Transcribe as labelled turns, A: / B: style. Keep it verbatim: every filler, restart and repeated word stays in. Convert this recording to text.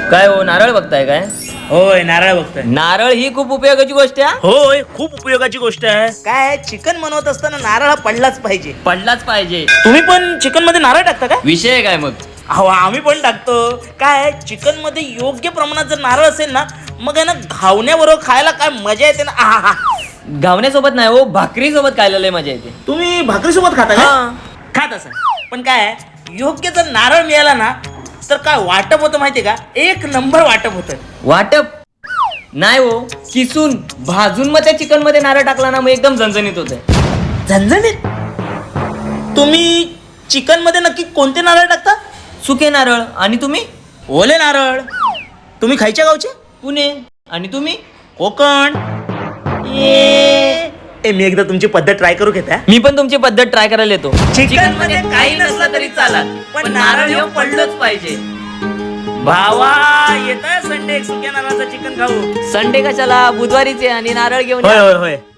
A: काय हो, नारळ बघताय काय?
B: होय, नारळ बघतोय.
A: नारळ ही खूप उपयोगाची गोष्ट आहे.
B: होय, खूप उपयोगाची गोष्ट आहे. काय चिकन बनवत असताना नारळ हा पडलाच पाहिजे.
A: पडलाच पाहिजे.
B: तुम्ही पण चिकन मध्ये नारळ टाकता का?
A: विषय काय मग?
B: अहो, आम्ही पण टाकतो. काय चिकन मध्ये योग्य प्रमाणात जर नारळ असेल ना, मग आहे ना घावण्याबरोबर खायला काय मजा येते ना. आहा.
A: घावण्यासोबत नाही हो, भाकरी सोबत खायला लय मजा येते.
B: तुम्ही भाकरी सोबत खाता का? खात असा. पण काय योग्य जर नारळ मिळाला ना, तर काय वाटप होतं माहितीये का? एक नंबर वाटप होतं.
A: वाटप नाही हो, किसून भाजून मग त्या चिकन मध्ये नारळ टाकला ना, मग एकदम झणझणीत होते.
B: झणझणीत. तुम्ही चिकन मध्ये नक्की कोणते नारळ टाकता?
A: सुके नारळ. आणि तुम्ही?
B: ओले नारळ. तुम्ही खायच्या गावचे?
A: पुणे. आणि तुम्ही?
B: कोकण. ए ए, मी एकदा तुमची पद्धत ट्राय करू घेता.
A: मी पण तुमची पद्धत ट्राय करायला येतो.
B: चिकन मध्ये काही नसलं तरी चालत, पण नारळ हे पडलंच पाहिजे. भावा येत आहे संडे, सुक्या नारळाचं चिकन खाऊ.
A: संडे कशाला, बुधवारीचे आणि नारळ घेऊन
B: होय
A: या.
B: होय होय